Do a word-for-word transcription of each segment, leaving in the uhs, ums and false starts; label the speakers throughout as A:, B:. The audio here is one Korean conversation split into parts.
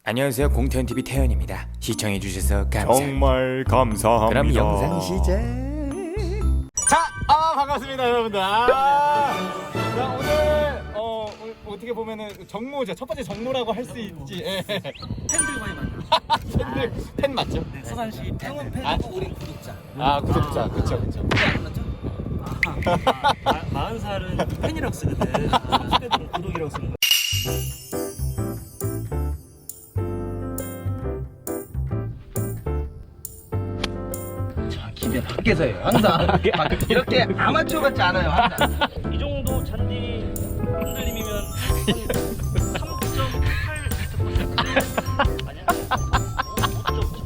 A: 안녕하세요, 공태현티비 태현입니다. 시청해주셔서 감사합니다.
B: 정말 감사합니다.
A: 그럼 영상 시작.
B: 자, 아 반갑습니다 여러분들. 아, 자 오늘 어 오늘 어떻게 보면은 정모죠. 첫 번째 정모라고 할 수 있지. 예.
C: 팬들과의 만남.
B: 팬들 팬 맞죠?
C: 네, 서산시 팬은
B: 아.
C: 팬이고 우린 구독자.
B: 아 구독자, 그쵸 그쵸.
C: 안 맞죠? 아, 마흔 살은 팬이라고 쓰거든. 삼십 대들은 구독이라고 쓰는 거.
D: 집에 밖에서 해요. 항상 이렇게 아마추어 같지 않아요. 항상.
C: 이 정도 잔디 흔들림이면 삼 점 팔 미터 아니야? 오 점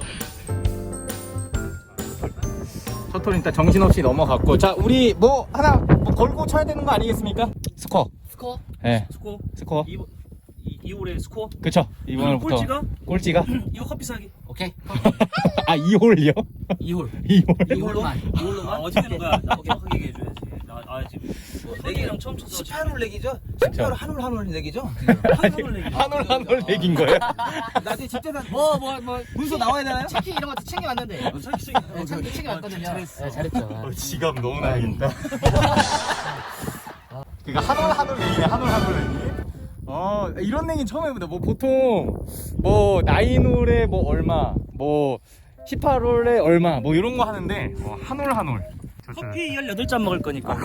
B: 첫홀 일단 정신없이 넘어갔고, 자 우리 뭐 하나 뭐 걸고 쳐야 되는 거 아니겠습니까? 스코어.
C: 스코어?
B: 네.
C: 스코어?
B: 스코어.
C: 이, 이, 이 홀의 스코어?
B: 그쵸. 이번부터
C: 꼴찌가?
B: 꼴찌가?
C: 이거 커피 사기. 오케이.
B: 아 이 홀이요?
C: 이 홀.
B: 이 홀.
C: 이 홀로만. 이 홀로만. 어떻게 되는 거야? 나 정확하게 얘기해줘야지. 나, 아 지금 뭐 내기랑 처음 쳐서
D: 십팔 홀 내기죠? 십팔 홀 한홀 한홀 내기죠?
C: 한홀 내기.
B: 한 홀 한 홀 내긴 거예요?
D: 나중에 집재산 뭐뭐 뭐 문서 나와야 되나요?
E: 치킨 이런 것도 챙겨왔는데 네, 챙겨, 챙겨왔거든요.
C: 잘했어.
E: 네, 잘했죠.
B: 어, 지갑 너무 나야겠다. 그니까 한올 한올 내기네. 한올 한올 내기. 어 이런 내기 처음 해본다. 뭐 보통 뭐 나인홀에 뭐 얼마, 뭐 십팔 홀에 얼마, 뭐 이런 거 하는데 뭐 한올 한올.
C: 커피 열여덟 잔 먹을 거니까.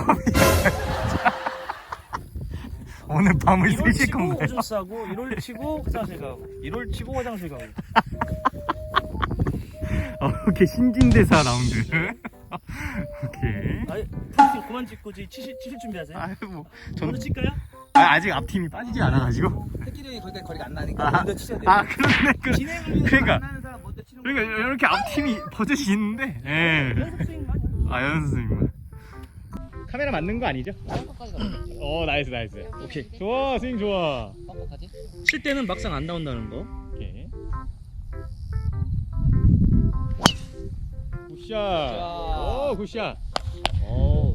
B: 오늘 밤을
C: 일 홀
B: 새실
C: 치고
B: 건가요?
C: 오줌 싸고 일 홀 치고 화장실 가고 일 홀 치고 화장실 가고.
B: 어, 오케이 신진대사 라운드. 오케이.
C: 아니 프로팀 그만 찍고 이제 치실, 치실 준비하세요.
B: 아유 뭐
C: 저는
B: 저는
C: 칠까요?
B: 아, 아직 앞팀이 빠지지 않아가지고.
D: 새끼들이 거기까지 거리가 안 나니까
B: 아,
D: 먼저 치셔야 돼요.
B: 아 그러네 그래.
D: 진행을 위해서
B: 그러니까
D: 만나는 사람 먼저 치는 거.
B: 그러니까 이렇게 앞팀이 버젓이 있는데. 예.
C: 연습 스윙 많이 하죠.
B: 아 연습생님. 카메라 맞는 거 아니죠?
E: 빡빡까지 가면
B: 어 나이스 나이스. 오케이. 좋아 스윙 좋아.
E: 빡빡까지.
C: 칠 때는 막상 안 나온다는 거.
B: 오케이. 굿샷. 오 굿샷.
E: 오.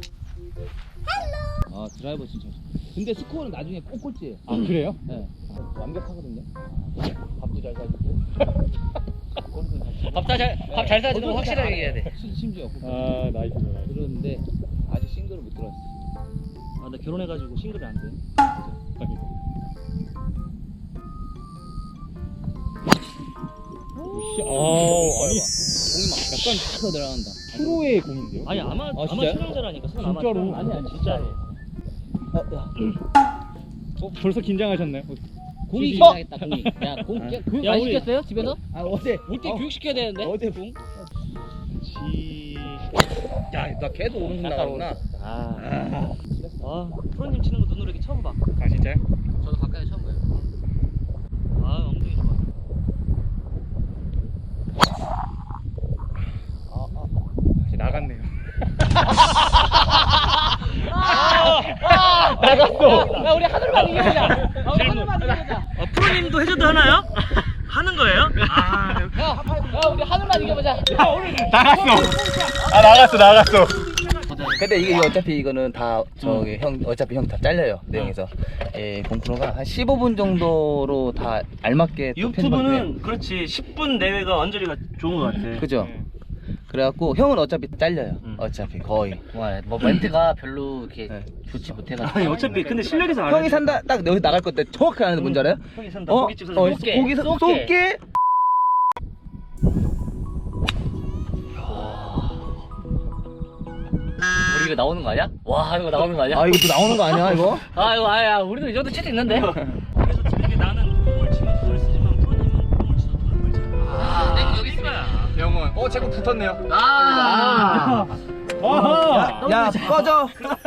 E: 아 드라이버 진짜. 근데 스코어는 나중에 꼭 꼴찌예요.
B: 아 그래요?
E: 네. 완벽하거든요. 밥도 잘 사주고.
C: 밥잘 잘 사주는 거 확실하게 얘기해야 돼.
E: 심- 심지어.
B: 아 나이스 나이스.
E: 그러는데 아직 싱글을 못 들어왔어.
C: 아 나 결혼해가지고 싱글이 안 돼.
B: 굿샷. 어 아니
E: 공이 막 약간 탁 들어간다.
B: 프로의 공인데요?
C: 아니 아마 아마
E: 진짜요?
C: 촬영자라니까. 손
B: 진짜로?
C: 아마 촬영. 아니야 진짜로.
B: 어, 벌써 긴장하셨나요?
E: 공이
B: 주시-
E: 긴장했다. 공이. 야공 교육
C: 야,
E: 많이
C: 우리-
E: 시켰어요 집에서?
D: 아 어제
E: 올때
D: 어,
E: 교육 시켜야 되는데.
D: 어제
E: 공.
B: 지.
D: 야나 계속 오른손 나가구나.
C: 아. 아 프로님 치는 거 눈으로 이렇게 처음 봐.
B: 아 진짜요?
E: 저도 가까이 처음 봐요.
C: 아 엉덩이 좋아.
B: 이제 나갔네요.
E: 나갔어. 야 우리 하늘만 이겨보자. 아, 우리 하늘만 이겨보자.
C: 아 프로님도 해줘도 하나요? 하는 거예요? 아
E: 야, 야 우리 하늘만 이겨보자.
B: 나갔어. 아 나갔어 나갔어.
D: 근데 이게 어차피 이거는 다 저기 형 어차피 형 다 잘려요 내용에서. 예 공프로가 한 십오 분 정도로 다 알맞게 또 편집하고요.
C: 유튜브는 그렇지 십 분 내외가 언저리가 좋은 것 같아.
D: 그죠? 그래갖고 형은 어차피 잘려요.
C: 음.
D: 어차피 거의.
E: 뭐 멘트가 별로 이렇게
D: 네.
E: 좋지 못해가지고.
C: 아니 어차피 근데 실력에서
D: 형이 산다 딱 여기 나갈 건데 정확히 아는데 뭔지 알아요?
C: 형이 산다.
D: 어?
C: 고깃집 사장.
D: 어
E: 쏠게,
D: 고기서
E: 쏠게.
D: 쏠게.
E: 우리 이거 나오는 거 아니야? 와 이거 나오는 거 아니야?
D: 아 이거 또 나오는 거 아니야 이거?
E: 아 이거 아야 우리도 이 정도 채도 있는데.
C: 그래서 이게 나는 공을 치면 돈을 쓰지만 프로님은 공을 치도 돈을 벌잖아.
E: 아 내가 여기 있으면.
B: 영원. 어 제거 붙었네요.
E: 아.
B: 아하.
D: 야 꺼져.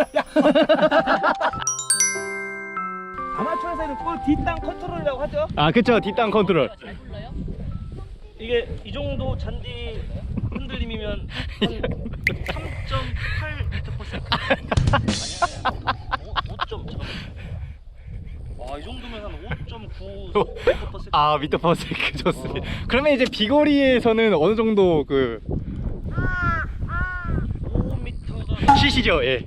D: 아마추어에서는 볼 뒷땅 컨트롤이라고 하죠.
B: 아 그쵸 뒷땅 컨트롤.
E: 잘 불러요?
C: 이게 이 정도 잔디 흔들림이면 한 삼 점 팔 미터 퍼 세컨드. 아니야 오 점 아, 이 정도면 한 오 점 구 미터 퍼 세컨드.
B: 아 미터 퍼 세컨드 좋습니다. 그러면 이제 비거리에서는 어느 정도 그
C: 오 미터가
B: 시시죠? 예.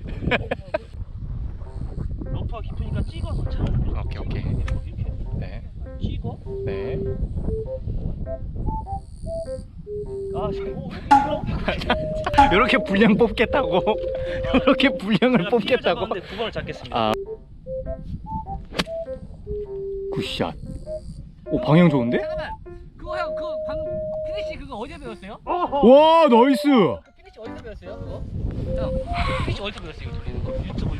C: 러프가 깊으니까 찍어서 차.
B: 오케이 오케이.
C: 이렇게
B: 네.
C: 찍어.
B: 네.
C: 아, 지금
B: 이렇게 분량 뽑겠다고. 이렇게 분량을 뽑겠다고.
C: 구 번을 잡겠습니다.
B: 아. 굿샷. 오, 방향 좋은데?
E: 잠깐만. 그거 형, 그 방금 피니시 그거 어디서 배웠어요?
B: 와, 나이스.
E: 그 피니시 어디서 배웠어요? 그거? 형, 피니시 어디서 배웠어요? 이거 돌리는 거?
C: 유튜브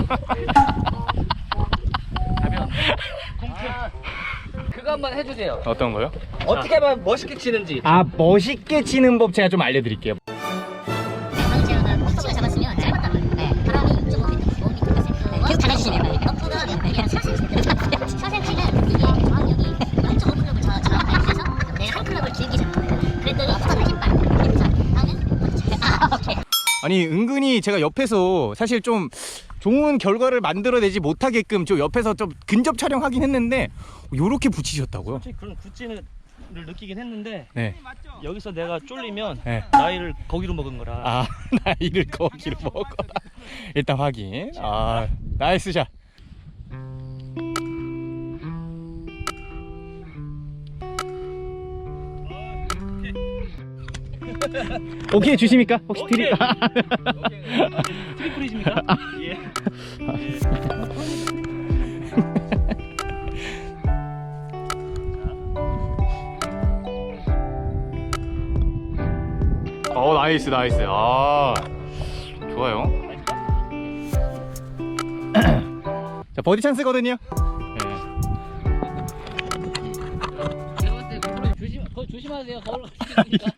C: 가면 공태.
E: 아, 그거 한번 해주세요.
B: 어떤 거요?
E: 어떻게 하면 멋있게 치는지.
B: 아, 멋있게 치는 법 제가 좀 알려드릴게요.
F: 방금 제어는 꼭지가 잡았으면 짧았단 말이에요. 네. 바람이 육 점 오 미터, 오 미터 됐어요. 계속 달아주시면 돼요. 러프가 그냥 사 센티미터. 사 센티미터는 이게 저항력이 영 점 오 클럽을 저, 저항을 해서 내가 한 클럽을 길게 잡는 거예요. 그랬더니 턴을 흰발. 이렇게 잡 다음은 아, 오케이.
B: 아니, 은근히 제가 옆에서 사실 좀 좋은 결과를 만들어내지 못하게끔 좀 옆에서 좀 근접 촬영하긴 했는데 요렇게 붙이셨다고요?
C: 솔직히 그런 굿즈를 느끼긴 했는데
B: 네.
C: 여기서 내가 쫄리면
B: 네.
C: 나이를 거기로 먹은 거라.
B: 아, 나이를 거기로 먹어. 일단 확인. 아, 나이스 샷. 오케이 주십니까? 혹시 드리?
C: 트리플이십니까? 예.
B: 어, 나이스 나이스. 아, 좋아요. 자, 버디 찬스거든요.
E: 제가 봤을 때 그거 조심, 그거 조심하세요. 거울 가시니까.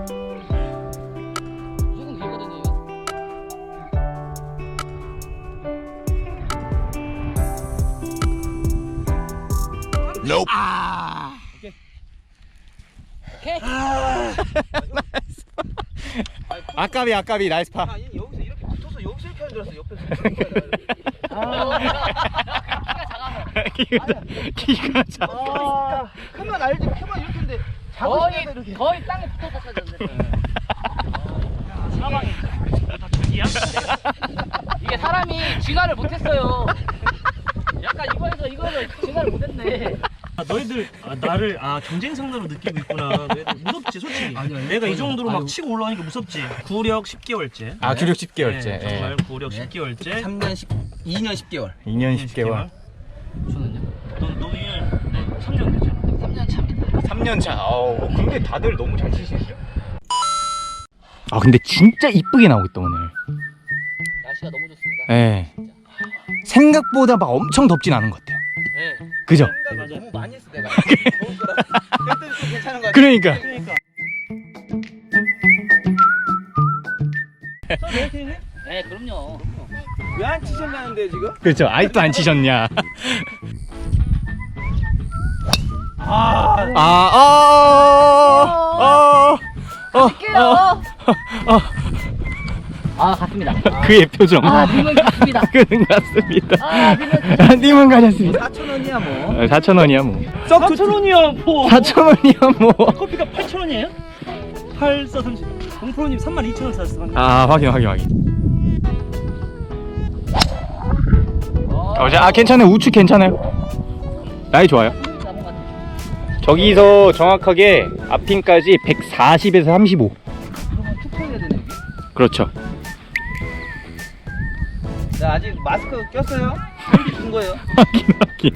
E: 무조건 길거든요, 이거.
B: 아,
E: 오케이.
B: 아까비 아까비 나이스 파.
D: 아니 여기서 이렇게 붙어서 여기서 이렇게 하는 줄 알았어. 옆에서.
B: 기가 기가 차.
D: 아, 크면 알지. 크면 이렇게인데
E: 거의, 거의 땅에 붙어서 쳐졌는데.
C: 사방이 다 자기야?
E: 이게 사람이 진화를 못했어요. 약간 이거에서 이거를 진화를 못했네.
C: 아, 너희들 아, 나를 아 경쟁 상대로 느끼고 있구나. 너희들 무섭지 솔직히. 내가 이 정도로 막 치고 올라가니까 무섭지. 구력 십 개월째.
B: 아, 주력 십 개월째.
C: 네, 정말 구력 십 개월째.
D: 삼 년 십 이 년 십 개월.
B: 이 년 십 개월.
E: 저는요?
C: 너너 이년 삼 년 됐잖아.
E: 삼 년 차입니다.
B: 삼 년 차. 아우, 근데 다들 너무 잘 치시죠? 아, 근데 진짜 이쁘게 나오고 있다 오늘.
E: 날씨가 너무 좋습니다.
B: 예. 생각보다 막 엄청 덥진 않은 것 같아요.
E: 네.
B: 그죠?
C: 맞아.
D: 너무 많이 했어 내가. 더울 거라. 그랬더니 좀 괜찮은 거 같아.
B: 그러니까.
C: 그러니까.
E: 네, 그럼요.
D: 왜 안 치셨나는데 지금?
B: 그렇죠. 아직도 안 치셨냐? 아, 아, 아, 아,
E: 할게요. 아, 갔습니다.
B: 그의 표정.
E: 아, 님은 갔습니다.
B: 그는 같습니다.
E: 아, 님은
B: 아, 님은 가셨습니다.
D: 사천 원이야 뭐.
B: 어, 사천 원이야 뭐.
C: 사천 원이야 뭐.
B: 사천 원이야 뭐.
C: 커피가 팔천 원이에요? 팔, 사, 삼십. 공프로님 삼만 이천 원 샀어.
B: 아, 확인, 확인, 확인. 어, 자, 아, 괜찮아요. 우측 괜찮아요. 나이 좋아요. 저기서 정확하게 앞핀까지 백사십에서 삼십오.
E: 그러면 툭 쳐야 되네.
B: 그렇죠.
D: 자 아직 마스크 꼈어요? 준 거예요?
B: 확인, 확인.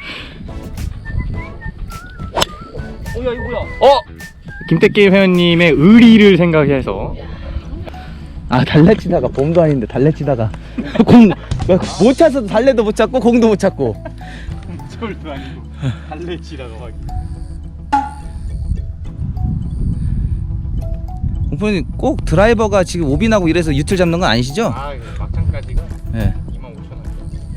E: 어, 야, 이거 뭐야?
B: 어? 김태기 회원님의 의리를 생각해서.
D: 아 달래 치다가 봄도 아닌데 달래 치다가 공 못 차서 달래도 못 찾고 공도 못 찾고.
B: 절도 아니고 달래치라고 확인.
D: 공포님 꼭 드라이버가 지금 오비나고 이래서 유틀 잡는 건 아니시죠?
B: 아, 막장까지가
D: 네.
B: 이만 오천 원.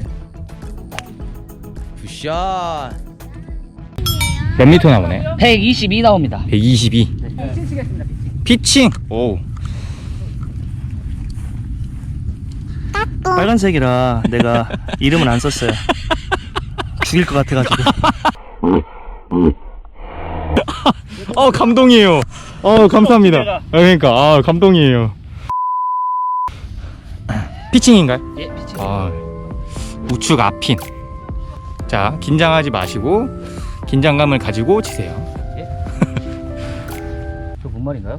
D: 굿샷.
B: 몇 미터 나오네?
E: 백이십이 나옵니다.
B: 백이십이.
E: 피칭 치겠습니다, 피칭.
B: 피칭. 오.
C: 빨간색이라 내가 이름은 안 썼어요. 죽일 것 같아가지고.
B: 어, 감동이에요. 어, 감사합니다. 아, 그러니까 아, 감동이에요. 피칭인가요?
E: 예, 피칭.
B: 아, 우측 앞핀. 자, 긴장하지 마시고 긴장감을 가지고 치세요.
D: 말인가요?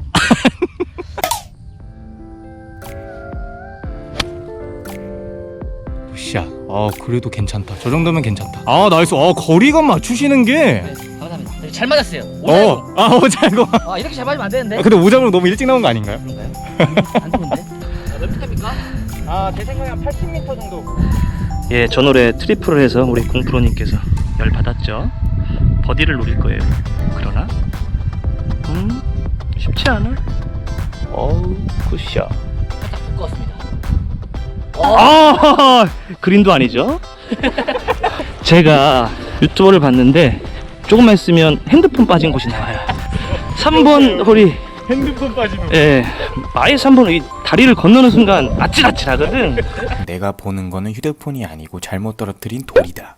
B: 굿샷. 아 그래도 괜찮다. 저 정도면 괜찮다. 아 나이스. 아 거리감 맞추시는 게.
E: 네, 감사합니다. 네, 잘 맞았어요.
B: 어. 아 오자고.
E: 아 이렇게 잘 맞으면 안 되는데.
B: 아, 근데 오자고 너무 일찍 나온 거 아닌가요?
E: 그런가요? 안 좋은데? 아, 몇 미터입니까?
B: 아 제 생각에 한 팔십 미터 정도.
C: 예, 저 노래 트리플을 해서 우리 공프로님께서 열 받았죠. 버디를 노릴 거예요. 그러나 음 쉽지 않아. 어우 굿샷.
E: 살짝 두꺼웠습니다.
C: 아 그린도 아니죠. 제가 유튜버를 봤는데 조금만 있으면 핸드폰 빠진 곳이 나와요. 삼 번 홀이
B: 핸드폰 빠지는.
C: 예, 아예 삼 번 이 다리를 건너는 순간 아찔아찔하거든.
A: 내가 보는 거는 휴대폰이 아니고 잘못 떨어뜨린 돌이다.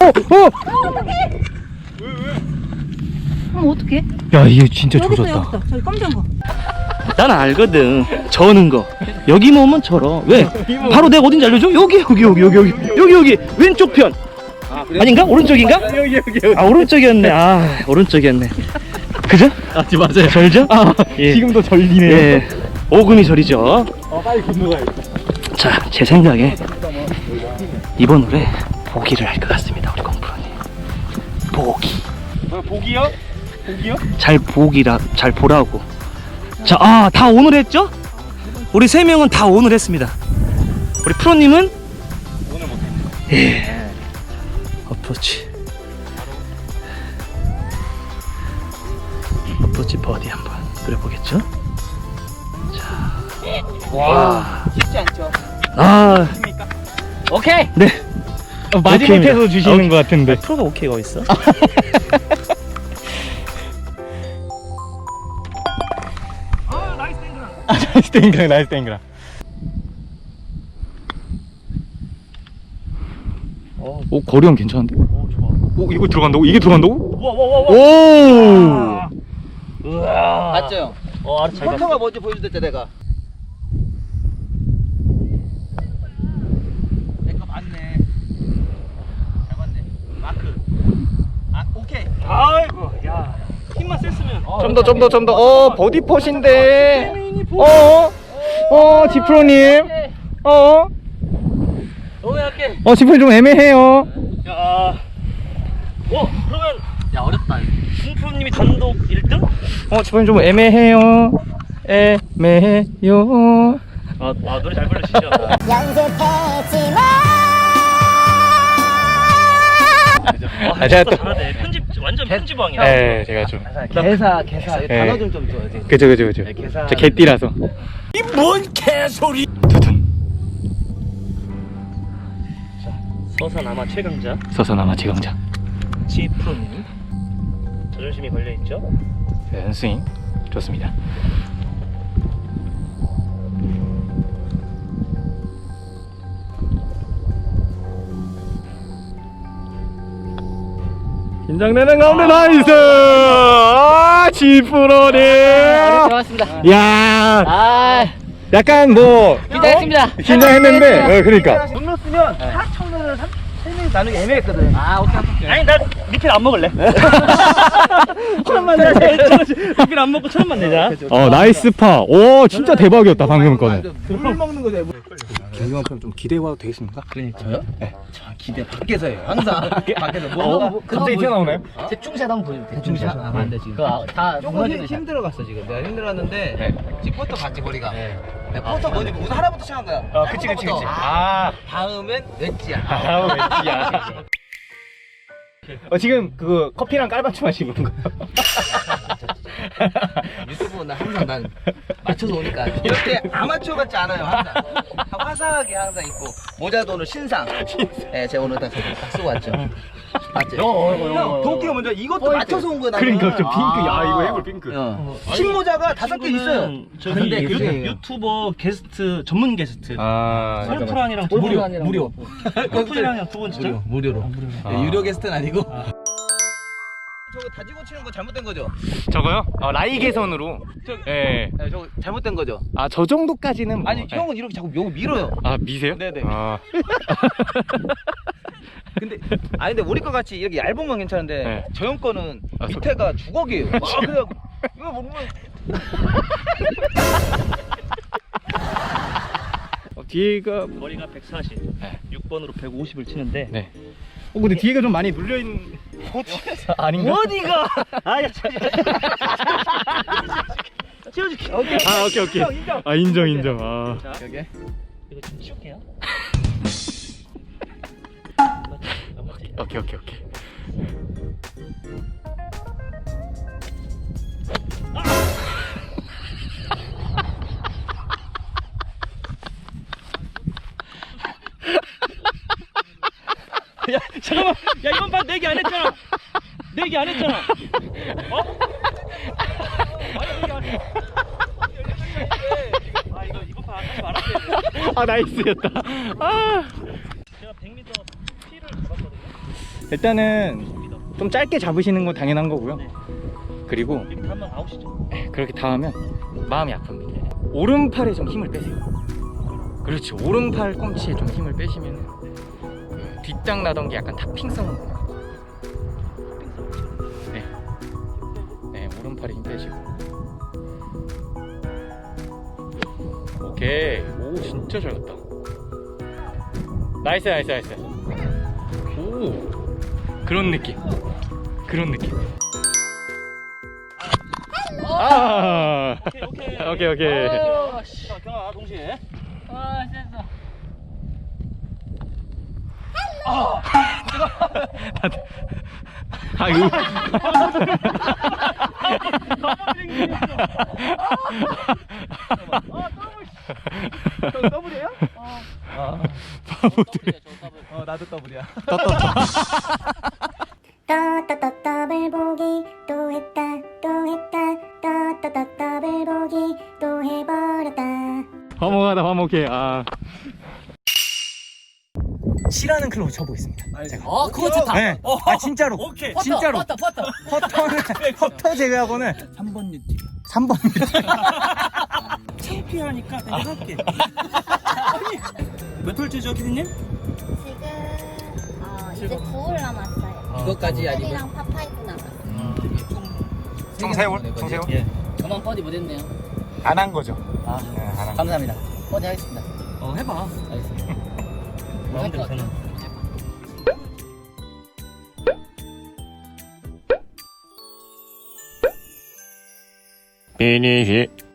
G: 그럼 어떡해?
B: 야 이게 진짜
G: 여기 있어, 여기
B: 조졌다.
G: 있어. 저기 검정 거.
C: 난 알거든. 저는 거. 여기 모으면 저러. 왜? 바로 내가 어딘지 알려줘? 여기 여기 여기 여기 여기 여기 여기 왼쪽 편. 아닌가? 오른쪽인가?
B: 여기 여기 여기.
C: 아 오른쪽이었네. 아 오른쪽이었네. 그죠?
B: 아 맞아요.
C: 절죠?
B: 아
C: 예.
B: 지금도 절리네요.
C: 예. 오금이 저리죠.
B: 아 빨리 건너가야겠다.
C: 자, 제 생각에 이번 홀에 보기를 할 것 같습니다. 우리 공프로님. 보기.
B: 뭐 보기요? 보기요?
C: 잘 보기라 잘 보라고. 자, 아, 다 오늘 했죠? 우리 세 명은 다 오늘 했습니다. 우리 프로님은
B: 오늘 못했네.
C: 예. 어프로치. 어프로치 버디 한번 그려보겠죠? 자,
D: 와 쉽지 않죠.
C: 아,
E: 오케이.
C: 네.
B: 어, 마지막에서
C: 오케이입니다.
B: 주시는
C: 오케이.
B: 것 같은데.
C: 프로가 오케이가 어딨어?
B: 나이스 땡그랑 나이스 땡그랑. 오 거리감 괜찮은데?
C: 오, 좋아.
B: 오 이거 들어간다고? 이게 들어간다고?
C: 우와, 우와, 우와,
B: 오.
C: 우와. 우와.
D: 맞죠 형?
C: 어, 알았어, 잘 봤어.
D: 포터가 먼저 보여줬댔죠 내가. 내거 맞네. 잘 맞네. 마크. 아 오케이.
C: 아이고, 야. 힘만 셌으면.
B: 좀 더 좀 더 좀 더. 어 버디 펫인데. 어. 어 지프로님. 어.
C: 너무 약해.
B: 어 지프로님 좀 애매해요.
C: 야. 어, 그러면
E: 야 어렵다.
C: 공프로님이 단독 일 등?
B: 어 지프로님 좀 애매해요. 애매해요.
C: 아, 아 노래 잘 부르시죠?
B: 아 제가 또.
C: 잘하네. 편집 완전 편집왕이야.
B: 네 제가 좀.
D: 개사 개사
B: 네.
D: 단어 좀 좀 줘야지.
B: 그죠 그죠 그죠.
D: 네, 계산.
B: 저 개띠라서.
C: 서산 아마 최강자
B: 서서나마 최강자.
C: 지 프로님. 자존심이 걸려 있죠?
B: 네, 스윙 좋습니다. 긴장되는 가운데 나이스. 아 지프로님.
E: 좋았습니다.
B: 야
E: 아
B: 약간 뭐
E: 긴장했습니다.
B: 긴장했는데 어, 그러니까.
D: 돈 넣었으면 사천 원을 세 명이 나누기 애매했거든.
E: 아 오케이 오케이.
C: 아니 나 리필 안 먹을래. 천 원만 내자. 리필 안 먹고 천 원만 내자.
B: 어 나이스 파. 오 진짜 대박이었다 방금 거는.
D: 물 먹는 거죠.
B: 김경환 프로 좀 기대해봐도 되겠습니까?
D: 저요? 네. 저 기대 밖에서요. 항상 밖에서 뭐
B: 갑자기 튀어나오나요?
E: 대충샷 한번 보여줘. 대충샷.
D: 아, 안 돼, 지금.
E: 그거 다
D: 조금 힘,
E: 무너지는 샷.
D: 힘들어갔어 지금. 내가 힘들었는데
B: 네.
D: 지금 포터 봤지 거리가. 네. 포터 먼저 우선 하나부터 시작한 거야.
B: 어 그치 그치 그치. 아
D: 다음엔 웨지야.
B: 아우 왠지야. 어 지금 그 커피랑 깔맞춤 하시는 건가요?
D: 유튜브는 항상 난 맞춰서 오니까 이렇게 아마추어 같지 않아요. 항상 화사하게 항상 입고 모자도 오늘 신상. 예, 제가 오늘 딱, 딱 쓰고 왔죠. 맞죠? 형, 도끼가 먼저 이것도 맞춰서 온 거야. 나는.
B: 그러니까 저 핑크. 야
D: 아.
B: 이거 해골 핑크.
D: 어. 흰 모자가 다섯 개 있어요.
C: 저기
D: 근데
C: 유,
D: 그게-
C: 유튜버 게스트 전문 게스트.
B: 아
C: 골프랑이랑 두
D: 무료,
C: 번.
D: 무료.
C: 골프랑이랑 두 번 진짜.
D: 무료로.
B: 아.
D: 네, 유료 게스트는 아니고. 저거 다지고 치는 거 잘못된 거죠?
B: 저거요? 어, 라이 개선으로. 예.
D: 네, 저거 잘못된 거죠?
B: 아 저 정도까지는 뭐.
D: 아니
B: 예.
D: 형은 이렇게 자꾸 요거 밀어요.
B: 아 미세요?
D: 네네.
B: 아,
D: 근데 아니 근데 우리 거 같이 이렇게 얇은 건 괜찮은데
B: 네.
D: 저 형 거는
B: 아, 소-
D: 밑에가 주걱이에요. 아, 그래갖고 이거 먹으면
B: 어, 뒤가
C: 거리가 백사십,
B: 네.
C: 육 번으로 백오십을 치는데
B: 네. 어 근데 뒤에가 좀 많이 눌려 있는 아, 아닌가?
C: 어디가? 아야 치워줄게. 오케이.
B: 아 오케이 오케이.
C: 인정, 인정.
B: 아 인정 인정. 아.
C: 자,
B: 여기.
C: 이거 좀 치울게요. 안 맞지? 안 맞지?
B: 오케이 오케이 오케이.
C: 야 잠깐만. 야 이번 판 내기 안 했잖아. 내기 안 했잖아. 어? 아니 내기 안 해. 아 이거 이번 판 하지 말았어야
B: 아 나이스였다. 아.
C: 제가 백 미터 P를 잡았거든요.
B: 일단은 좀 짧게 잡으시는 건 당연한 거고요.
C: 네.
B: 그리고
C: 이렇게 하면 아웃이죠.
B: 그렇게 다 하면 마음이 아픕니다. 오른팔에 좀 힘을 빼세요. 그렇지. 오른팔 꿈치에 좀 힘을 빼시면 그 뒷땅 나던 게 약간 탑핑성은 네. 네, 오른팔에 힘 빼시고. 오케이. 오, 진짜 잘 갔다. 나이스, 나이스, 나이스. 오, 그런 느낌. 그런 느낌. 아,
C: 오케이 오케이.
B: 오케이, 오케이.
C: 아, 씨. 자 경아 동시에.
E: 아 됐어.
B: 아, 이거.
D: 더블이에요?
E: 더블이야 저 더블.
D: 어 나도 더블이야.
F: 또 또 또 더블 보기 또 했다 또 했다 또 또 또 더블 보기 또 해버렸다.
B: 화목하다, 화목해. 아. C라는 클럽을 쳐보겠습니다. 제가.
E: 어 그거 좋다.
B: 네. 아 진짜로.
C: 오케이.
E: 퍼터,
B: 진짜로.
E: 퍼터 퍼터.
B: 퍼터는 퍼터 제외하고는
D: 삼 번 유티.
B: 삼 번.
C: 창피하니까 내가 할게. 몇 홀째죠 피디님?
F: 지금 어, 이제 두 홀 남았어요.
D: 이것까지 아니면
F: 랑 파파이브 남았어요.
B: 정세훈, 정세훈.
C: 예.
E: 저만 버디 못했네요.
B: 안 한 거죠.
D: 아,
B: 네, 안 한.
D: 감사합니다. 버디 하겠습니다.
C: 어 해봐.
E: 알겠습니다.
C: 마음대로 되는.
A: 비니시